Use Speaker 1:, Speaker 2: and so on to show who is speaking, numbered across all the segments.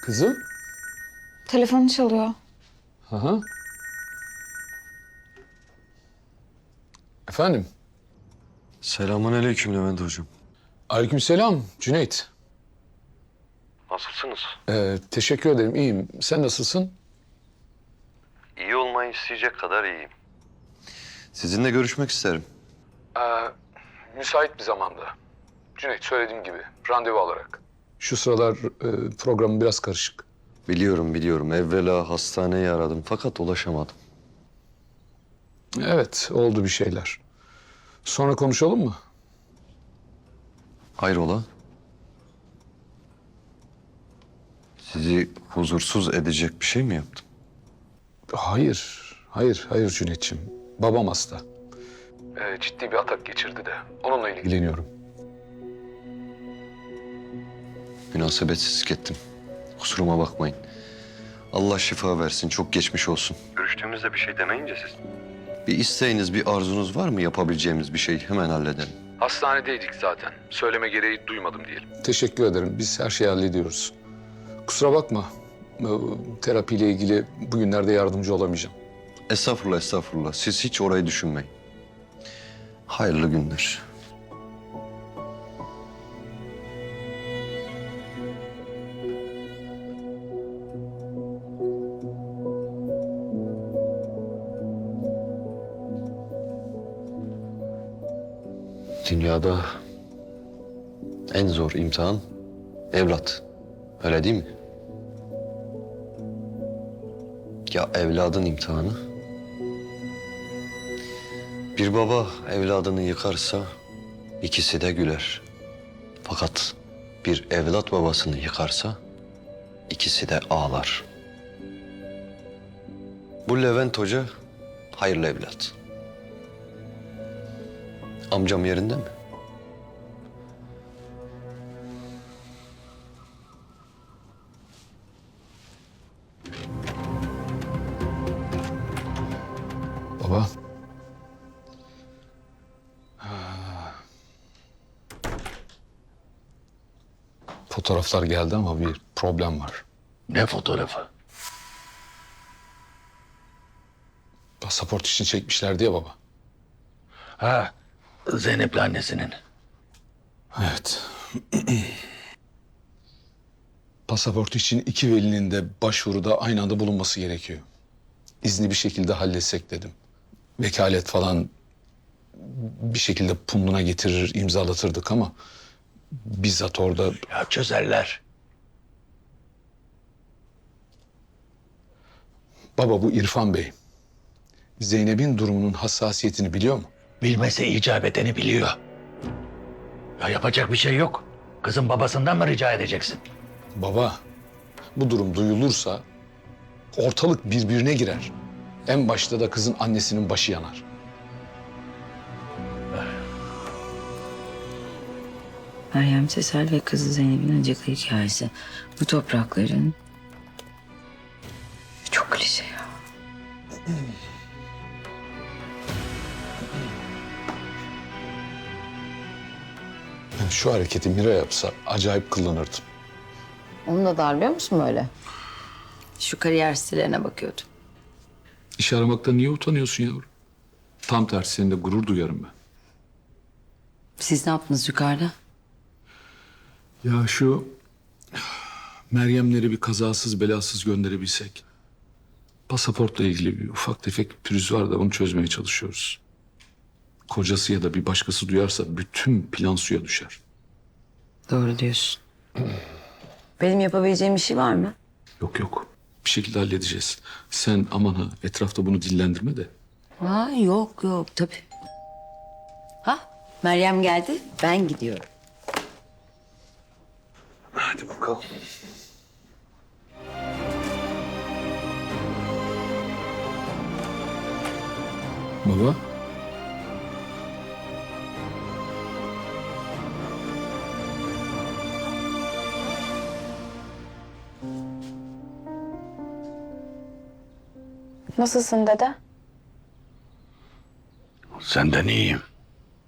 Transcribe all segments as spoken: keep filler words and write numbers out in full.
Speaker 1: Kızım?
Speaker 2: Telefonu çalıyor.
Speaker 1: Aha. Efendim?
Speaker 3: Selamünaleyküm Levent hocam.
Speaker 1: Aleykümselam Cüneyt.
Speaker 3: Nasılsınız?
Speaker 1: Ee, teşekkür ederim, iyiyim. Sen nasılsın?
Speaker 3: İyi olmayı isteyecek kadar iyiyim. Sizinle görüşmek isterim.
Speaker 1: Ee, müsait bir zamanda. Cüneyt, söylediğim gibi randevu alarak. Şu sıralar e, programım biraz karışık.
Speaker 3: Biliyorum biliyorum. Evvela hastaneyi aradım fakat ulaşamadım.
Speaker 1: Evet, oldu bir şeyler. Sonra konuşalım mı?
Speaker 3: Hayrola? Sizi huzursuz edecek bir şey mi yaptım?
Speaker 1: Hayır, hayır, hayır Cüneyt'ciğim. Babam hasta. Ee, ciddi bir atak geçirdi de onunla ilgileniyorum.
Speaker 3: Münasebetsizlik ettim. Kusuruma bakmayın. Allah şifa versin. Çok geçmiş olsun. Görüştüğümüzde bir şey demeyince siz. Bir isteğiniz, bir arzunuz var mı yapabileceğimiz bir şey? Hemen halledelim.
Speaker 1: Hastanedeydik zaten. Söyleme gereği duymadım diyelim. Teşekkür ederim. Biz her şeyi hallediyoruz. Kusura bakma. Ee, Terapiyle ilgili bugünlerde yardımcı olamayacağım.
Speaker 3: Estağfurullah, estağfurullah. Siz hiç orayı düşünmeyin. Hayırlı günler. Dünyada en zor imtihan evlat. Öyle değil mi? Ya evladın imtihanı? Bir baba evladını yıkarsa ikisi de güler. Fakat bir evlat babasını yıkarsa ikisi de ağlar. Bu Levent Hoca hayırlı evlat. Amcam yerinde mi?
Speaker 1: Baba. Fotoğraflar geldi ama bir problem var.
Speaker 4: Ne fotoğrafı?
Speaker 1: Pasaport için çekmişlerdi ya baba.
Speaker 4: Ha, Zeynep'le annesinin.
Speaker 1: Evet. Pasaport için iki velinin de başvuruda aynı anda bulunması gerekiyor. İzni bir şekilde halletsek dedim. Vekalet falan bir şekilde punduna getirir, imzalatırdık ama bizzat orada...
Speaker 4: Ya çözerler.
Speaker 1: Baba, bu İrfan Bey Zeynep'in durumunun hassasiyetini biliyor mu?
Speaker 4: Bilmese icap edeni biliyor. Ya yapacak bir şey yok. Kızın babasından mı rica edeceksin?
Speaker 1: Baba, bu durum duyulursa ortalık birbirine girer. En başta da kızın annesinin başı yanar.
Speaker 5: Meryem Sesel ve kızı Zeynep'in acıklı hikayesi. Bu toprakların... Çok klişe ya.
Speaker 1: Yani şu hareketi Mira yapsa acayip kullanırdım.
Speaker 5: Onu da darlıyor musun böyle? Şu kariyer sitelerine bakıyordum.
Speaker 1: İş aramakta niye utanıyorsun yavrum? Tam tersi, seninle gurur duyarım ben.
Speaker 5: Siz ne yaptınız yukarıda?
Speaker 1: Ya şu Meryemleri bir kazasız belasız gönderebilsek. Pasaportla ilgili bir ufak tefek bir pürüz var da onu çözmeye çalışıyoruz. Kocası ya da bir başkası duyarsa bütün plan suya düşer.
Speaker 5: Doğru diyorsun. Benim yapabileceğim bir şey var mı?
Speaker 1: Yok yok, bir şekilde halledeceğiz. Sen aman ha etrafta bunu dillendirme de.
Speaker 5: Ha, yok yok tabii. Ha, Meryem geldi, ben gidiyorum.
Speaker 1: Hadi bakalım. Baba.
Speaker 2: Nasılsın dede?
Speaker 4: Senden iyiyim.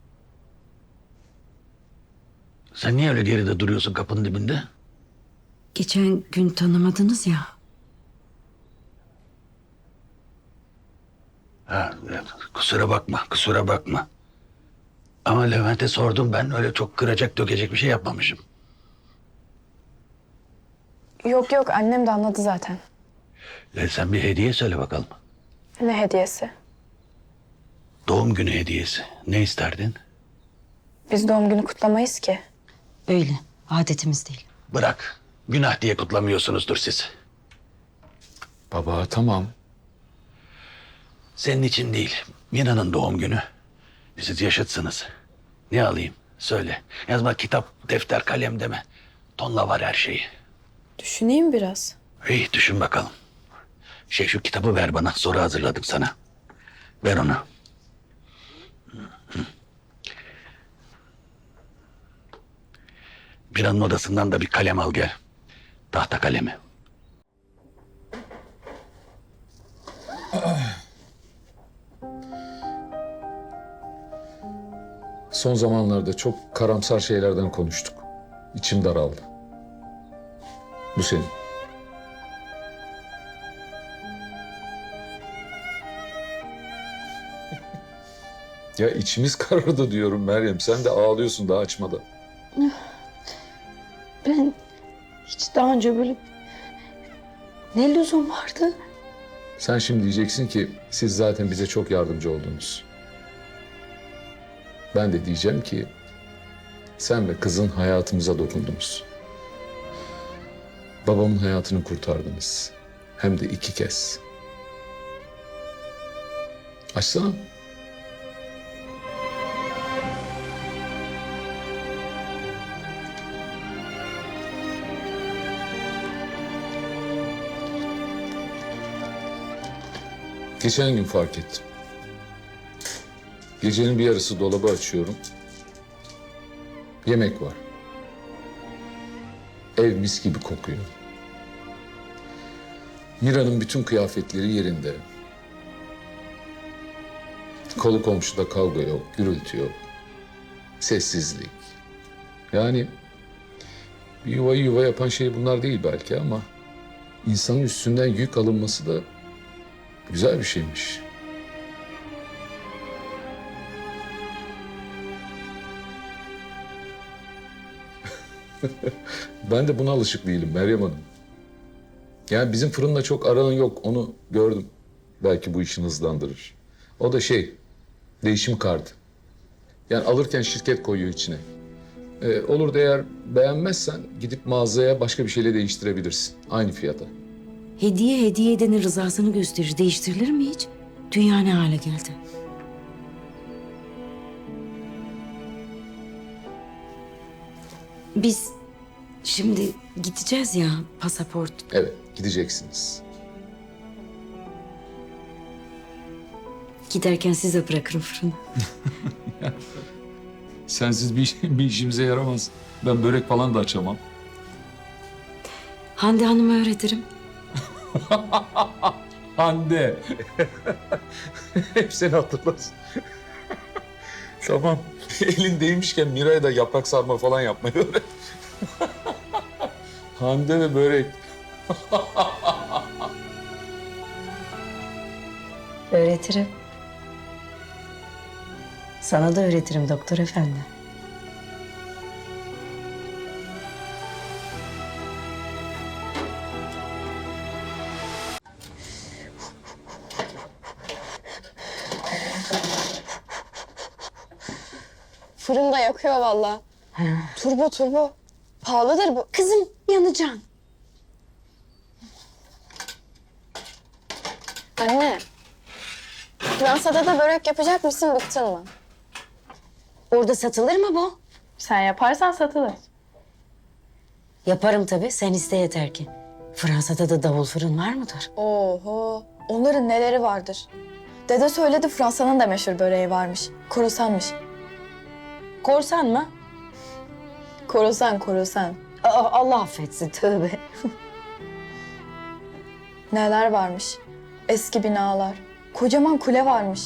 Speaker 4: Sen niye öyle geride duruyorsun kapının dibinde?
Speaker 5: geçen gün tanımadınız ya.
Speaker 4: Ha, evet. Kusura bakma, kusura bakma. Ama Levent'e sordum ben. Öyle çok kıracak, dökecek bir şey yapmamışım.
Speaker 2: Yok yok annem de anladı zaten.
Speaker 4: E, sen bir hediye söyle bakalım.
Speaker 2: Ne hediyesi?
Speaker 4: Doğum günü hediyesi. Ne isterdin?
Speaker 2: Biz doğum günü kutlamayız ki.
Speaker 5: Öyle. Adetimiz değil.
Speaker 4: Bırak. Günah diye kutlamıyorsunuzdur siz.
Speaker 1: Baba tamam.
Speaker 4: Senin için değil. Mina'nın doğum günü. Siz yaşıtsınız. Ne alayım? Söyle. Yazma kitap, defter, kalem deme. Tonla var her şeyi.
Speaker 2: Düşüneyim biraz.
Speaker 4: İyi düşün bakalım. Şey şu kitabı ver bana. Soru hazırladım sana. Ver onu. Mina'nın odasından da bir kalem al gel. Tahta kalemi.
Speaker 1: Son zamanlarda çok karamsar şeylerden konuştuk. İçim daraldı. Bu senin. Ya içimiz karardı diyorum Meryem. Sen de ağlıyorsun daha açmadan.
Speaker 5: Ben hiç daha önce böyle ne lüzum vardı?
Speaker 1: Sen şimdi diyeceksin ki siz zaten bize çok yardımcı oldunuz. Ben de diyeceğim ki sen ve kızın hayatımıza dokundunuz. Babamın hayatını kurtardınız. Hem de iki kez. Açsana. Geçen gün fark ettim. Gecenin bir yarısı dolabı açıyorum. Yemek var. Ev mis gibi kokuyor. Mira'nın bütün kıyafetleri yerinde. Kolu komşuda kavga yok, gürültü yok. Sessizlik. Yani bir yuvayı yuva yapan şey bunlar değil belki ama insanın üstünden yük alınması da güzel bir şeymiş. Ben de buna alışık değilim Meryem Hanım. Yani bizim fırınla çok aranın yok, onu gördüm. Belki bu işini hızlandırır. O da şey, değişim kartı. Yani alırken şirket koyuyor içine. Ee, olur da eğer beğenmezsen gidip mağazaya başka bir şeyle değiştirebilirsin. Aynı fiyata.
Speaker 5: Hediye hediye edenin rızasını gösterir. Değiştirilir mi hiç? Dünya ne hale geldi? Biz şimdi gideceğiz ya pasaport.
Speaker 1: Evet, gideceksiniz.
Speaker 5: Giderken size bırakırım fırını.
Speaker 1: Sensiz bir, bir işimize yaramaz. Ben börek falan da açamam.
Speaker 5: Hande Hanım'a öğretirim.
Speaker 1: Hande. Hep seni hatırlasın. Tamam. Elin değmişken Miray'a da yaprak sarma falan yapmayı öğret. Hande ve börek.
Speaker 5: Öğretirim. Sana da öğretirim doktor efendi.
Speaker 2: Fırın da yakıyor vallahi. Turbo turbo. Pahalıdır bu.
Speaker 5: Kızım yanacaksın.
Speaker 2: Anne. Fransa'da da börek yapacak mısın bıktın mı?
Speaker 5: Orada satılır mı bu?
Speaker 2: Sen yaparsan satılır.
Speaker 5: Yaparım tabii. Sen iste yeter ki. Fransa'da da davul fırın var mıdır?
Speaker 2: Oho. Onların neleri vardır. Dede söyledi Fransa'nın da meşhur böreği varmış. Korusanmış.
Speaker 5: Korsan mı?
Speaker 2: Korusan, korusan.
Speaker 5: Aa, Allah affetsin tövbe.
Speaker 2: Neler varmış. Eski binalar. Kocaman kule varmış.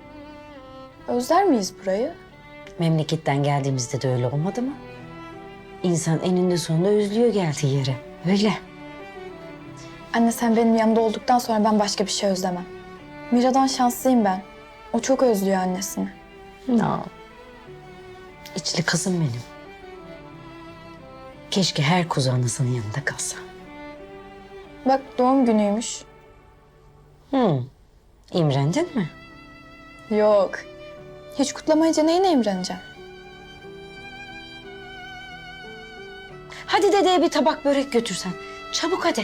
Speaker 2: Özler miyiz burayı?
Speaker 5: Memleketten geldiğimizde de öyle olmadı mı? İnsan eninde sonunda özlüyor geldiği yere. Öyle.
Speaker 2: Anne sen benim yanımda olduktan sonra ben başka bir şey özlemem. Mira'dan şanslıyım ben. O çok özlüyor annesini.
Speaker 5: No. İçli kızım benim. Keşke her kuzu anasının yanında kalsa.
Speaker 2: Bak doğum günüymüş.
Speaker 5: Hı. İmrendin mi?
Speaker 2: Yok. Hiç kutlamayınca neyine imreneceğim?
Speaker 5: Hadi dedeye bir tabak börek götürsen. Çabuk hadi.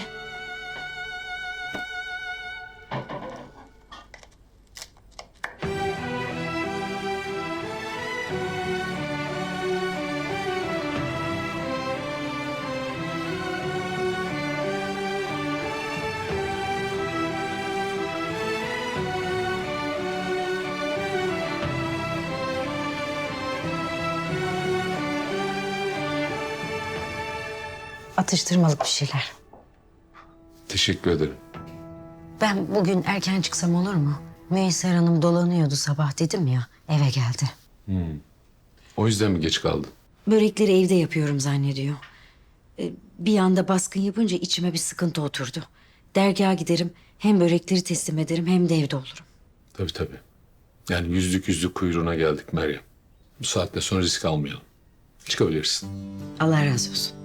Speaker 5: Atıştırmalık bir şeyler.
Speaker 1: Teşekkür ederim.
Speaker 5: Ben bugün erken çıksam olur mu? Müyesser Hanım dolanıyordu sabah dedim ya, eve geldi.
Speaker 1: O yüzden mi geç kaldın?
Speaker 5: Börekleri evde yapıyorum zannediyor. Ee, Bir anda baskın yapınca içime bir sıkıntı oturdu. Dergaha giderim, hem börekleri teslim ederim hem de evde olurum.
Speaker 1: Tabii tabii. Yani yüzlük yüzlük kuyruğuna geldik Meryem. Bu saatte sonra risk almayalım. Çıkabilirsin.
Speaker 5: Allah razı olsun.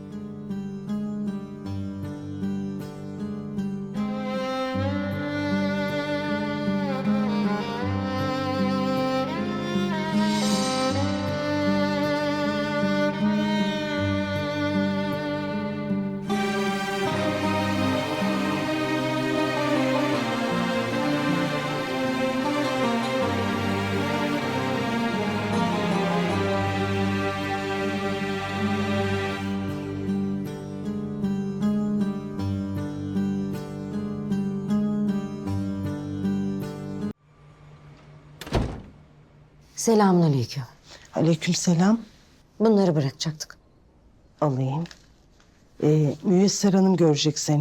Speaker 5: Selamünaleyküm.
Speaker 6: Aleykümselam.
Speaker 5: Bunları bırakacaktık.
Speaker 6: Alayım. Ee, Müyesser Hanım görecek seni.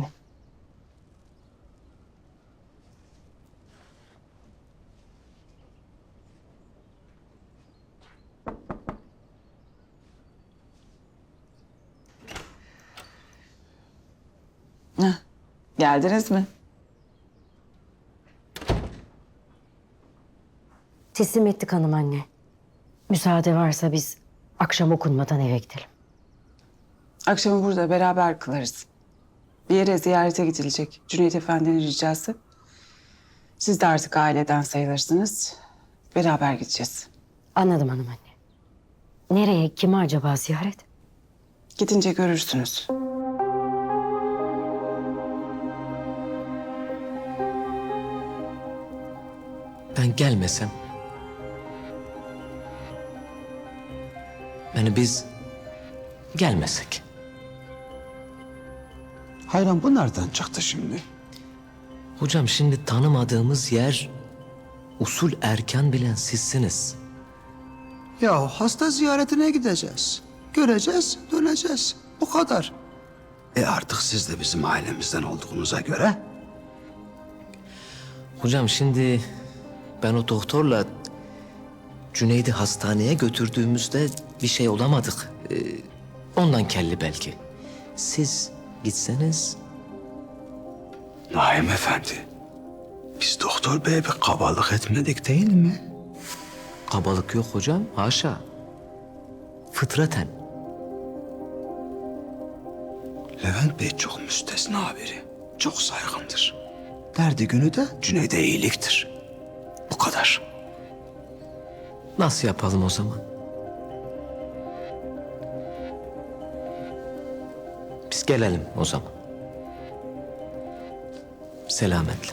Speaker 7: Heh, geldiniz mi?
Speaker 5: Teslim ettik hanım anne. Müsaade varsa biz akşam okunmadan eve gidelim.
Speaker 7: Akşamı burada beraber kılarız. Bir yere ziyarete gidilecek. Cüneyt Efendi'nin ricası. Siz de artık aileden sayılırsınız. Beraber gideceğiz.
Speaker 5: Anladım hanım anne. Nereye, kime acaba ziyaret?
Speaker 7: Gidince görürsünüz.
Speaker 8: Ben gelmesem... Yani biz gelmesek.
Speaker 9: Hayran bu nereden çıktı şimdi?
Speaker 8: Hocam şimdi tanımadığımız yer... Usul erken bilen sizsiniz.
Speaker 9: Ya hasta ziyaretine gideceğiz. Göreceğiz, döneceğiz. Bu kadar. E artık siz de bizim ailemizden olduğunuza göre...
Speaker 8: Hocam şimdi ben o doktorla Cüneyd'i hastaneye götürdüğümüzde bir şey olamadık. Ee, ondan kelli belki. Siz gitseniz...
Speaker 9: Naim Efendi, biz doktor beye bir kabalık etmedik değil mi?
Speaker 8: Kabalık yok hocam, haşa. Fıtraten.
Speaker 9: Levent Bey çok müstesna biri. Çok saygındır. Derdi günü de Cüneyd'e iyiliktir. Bu kadar.
Speaker 8: Nasıl yapalım o zaman? Biz gelelim o zaman. Selametle.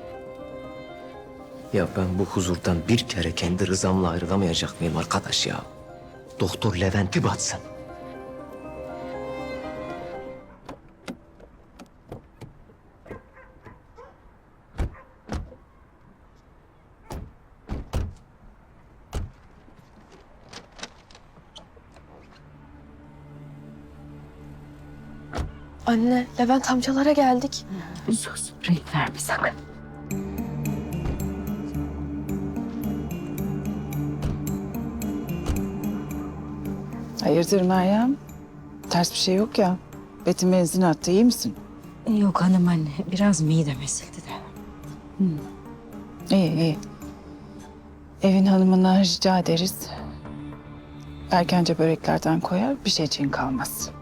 Speaker 8: Ya ben bu huzurdan bir kere kendi rızamla ayrılamayacak mıyım arkadaş ya? Doktor Levent bir batsın.
Speaker 2: Anne, Levent amcalara geldik.
Speaker 5: Sus, renk verme sakın.
Speaker 7: Hayırdır Meryem? Ters bir şey yok ya. Betim benzin attı. İyi misin?
Speaker 5: Yok hanım anne, biraz midem ezildi de.
Speaker 7: İyi iyi. Evin hanımından rica ederiz. Erkence böreklerden koyar, bir şey için kalmaz.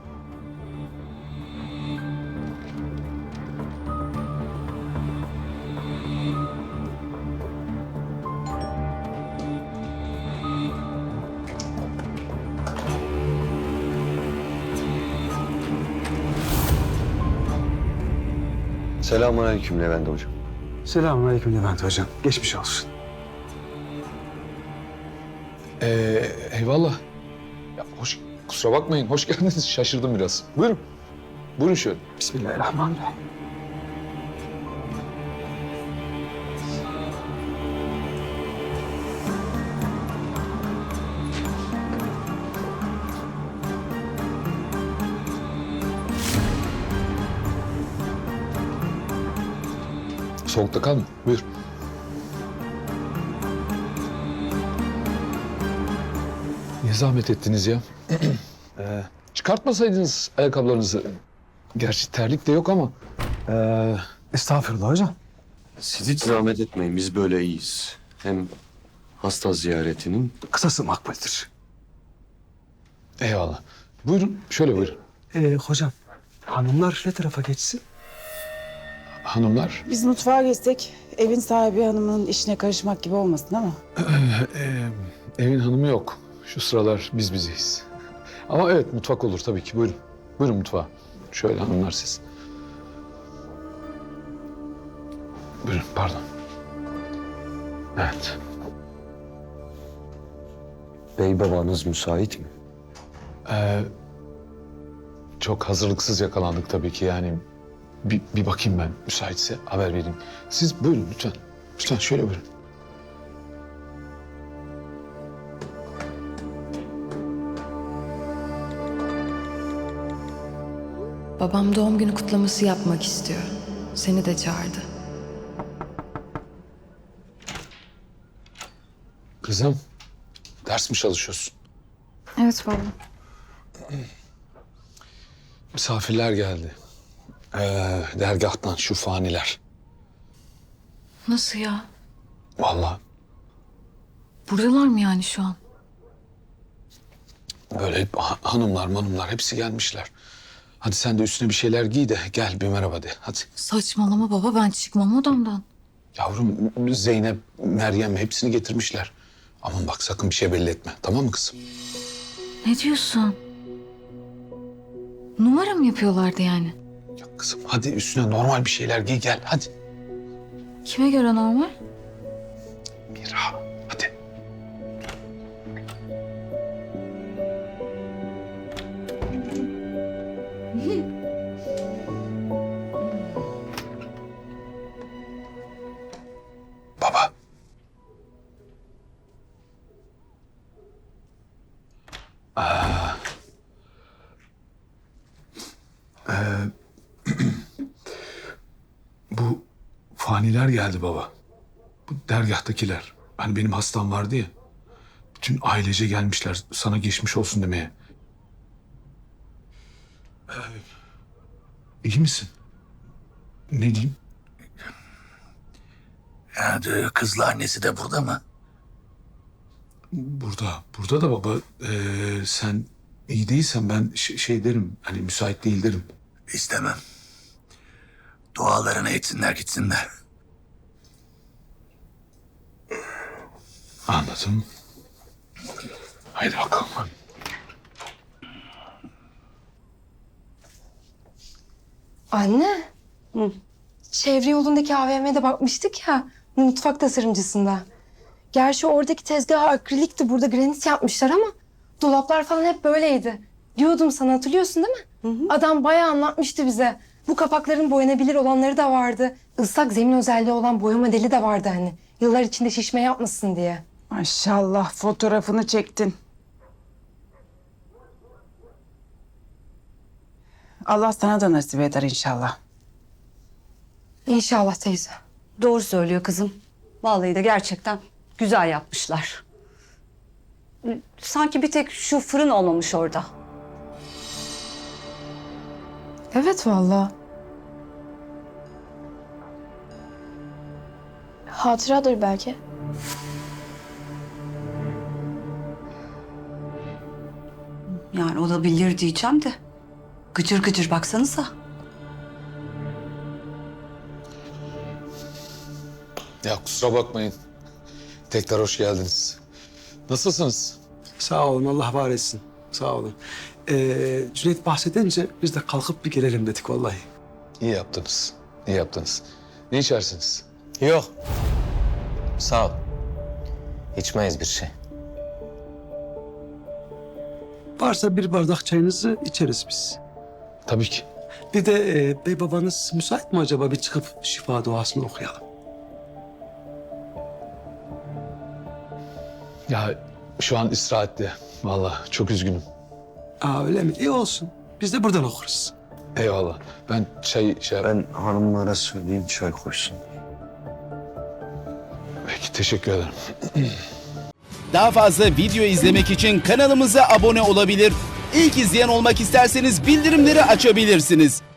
Speaker 3: Selamünaleyküm Levent hocam.
Speaker 10: Selamünaleyküm Levent hocam. Geçmiş olsun.
Speaker 1: Ee, eyvallah. Ya hoş, kusura bakmayın, hoş geldiniz. Şaşırdım biraz. Buyurun. Buyurun şöyle.
Speaker 10: Bismillahirrahmanirrahim.
Speaker 1: Soğukta kalma. Buyur. Niye zahmet ettiniz ya? ee, çıkartmasaydınız ayakkabılarınızı. Gerçi terlik de yok ama.
Speaker 10: Ee, estağfurullah hocam.
Speaker 3: Siz hiç zahmet etmeyin. Biz böyle iyiyiz. Hem hasta ziyaretinin
Speaker 10: Kısası makbuldür.
Speaker 1: Eyvallah. Buyurun, şöyle buyurun.
Speaker 10: Ee, hocam, hanımlar ne tarafa geçsin?
Speaker 1: Hanımlar.
Speaker 7: Biz mutfağa geçsek, evin sahibi hanımının işine karışmak gibi olmasın ama.
Speaker 1: Ee, evin hanımı yok. Şu sıralar biz bizeyiz. Ama evet, mutfak olur tabii ki. Buyurun. Buyurun mutfağa. Şöyle hanımlar siz. Buyurun, pardon. Evet.
Speaker 3: bey babanız müsait mi?
Speaker 1: Ee, çok hazırlıksız yakalandık tabii ki yani. Bir, bir bakayım ben, müsaitse haber vereyim. Siz buyurun lütfen. Lütfen şöyle buyurun.
Speaker 11: Babam doğum günü kutlaması yapmak istiyor. Seni de çağırdı.
Speaker 1: Kızım, ders mi çalışıyorsun?
Speaker 2: Evet baba.
Speaker 1: Misafirler geldi. Ee, dergahtan şu faniler.
Speaker 11: Nasıl ya?
Speaker 1: Vallahi
Speaker 11: Buradalar mı yani şu an?
Speaker 1: böyle ha- hanımlar manımlar hepsi gelmişler. Hadi sen de üstüne bir şeyler giy de gel bir merhaba de. Hadi.
Speaker 11: Saçmalama baba, ben çıkmam odamdan.
Speaker 1: Yavrum Zeynep, Meryem hepsini getirmişler. Aman bak sakın bir şey belli etme. Tamam mı kızım?
Speaker 11: Ne diyorsun? Numara mı yapıyorlardı yani?
Speaker 1: Ya kızım hadi üstüne normal bir şeyler giy gel hadi.
Speaker 11: Kime göre normal?
Speaker 1: Mira hadi. Baba. Aa. Ee, bu faniler geldi baba. Bu dergahtakiler. Hani benim hastam vardı ya. Bütün ailece gelmişler sana geçmiş olsun demeye. Ee, iyi misin? Ne diyeyim?
Speaker 4: Ya diyor, kızla annesi de burada mı?
Speaker 1: Burada, burada da baba. Ee, sen iyi değilsen ben ş- şey derim. Hani müsait değil derim.
Speaker 4: İstemem. Dualarını etsinler gitsinler.
Speaker 1: Anladım. Haydi bakalım.
Speaker 12: Anne. Çevre yolundaki A V M'de bakmıştık ya. Mutfak tasarımcısında. Gerçi oradaki tezgah akrilikti. Burada granit yapmışlar ama dolaplar falan hep böyleydi. Diyordum sana, hatırlıyorsun değil mi? Adam bayağı anlatmıştı bize. Bu kapakların boyanabilir olanları da vardı. Islak zemin özelliği olan boya modeli de vardı hani. Yıllar içinde şişme yapmasın diye.
Speaker 7: Maşallah fotoğrafını çektin. Allah sana da nasip eder inşallah.
Speaker 12: İnşallah teyze.
Speaker 13: Doğru söylüyor kızım. Vallahi de gerçekten güzel yapmışlar. Sanki bir tek şu fırın olmamış orada.
Speaker 2: Evet vallahi. Hatıradır belki.
Speaker 13: Yani olabilir diyeceğim de. Gıcır gıcır baksanıza.
Speaker 1: Ya kusura bakmayın. Tekrar hoş geldiniz. Nasılsınız?
Speaker 10: Sağ olun, Allah var etsin. Sağ olun. Ee, Cüneyt bahsedince biz de kalkıp bir gelelim dedik vallahi.
Speaker 1: İyi yaptınız. İyi yaptınız. Ne içersiniz?
Speaker 8: Yok. Sağ ol. İçmeyiz bir şey.
Speaker 10: Varsa bir bardak çayınızı içeriz biz.
Speaker 1: Tabii ki.
Speaker 10: Bir de e, bey babanız müsait mi acaba bir çıkıp şifa duasını okuyalım?
Speaker 1: Ya şu an istirahatte. Vallahi çok üzgünüm.
Speaker 10: Aa öyle mi? İyi olsun. Biz de buradan okuruz.
Speaker 1: Eyvallah. Ben çay şey...
Speaker 3: Ben hanımlara söyleyeyim çay koysun.
Speaker 1: Peki teşekkür ederim.
Speaker 14: Daha fazla video izlemek için kanalımıza abone olabilir. İlk izleyen olmak isterseniz bildirimleri açabilirsiniz.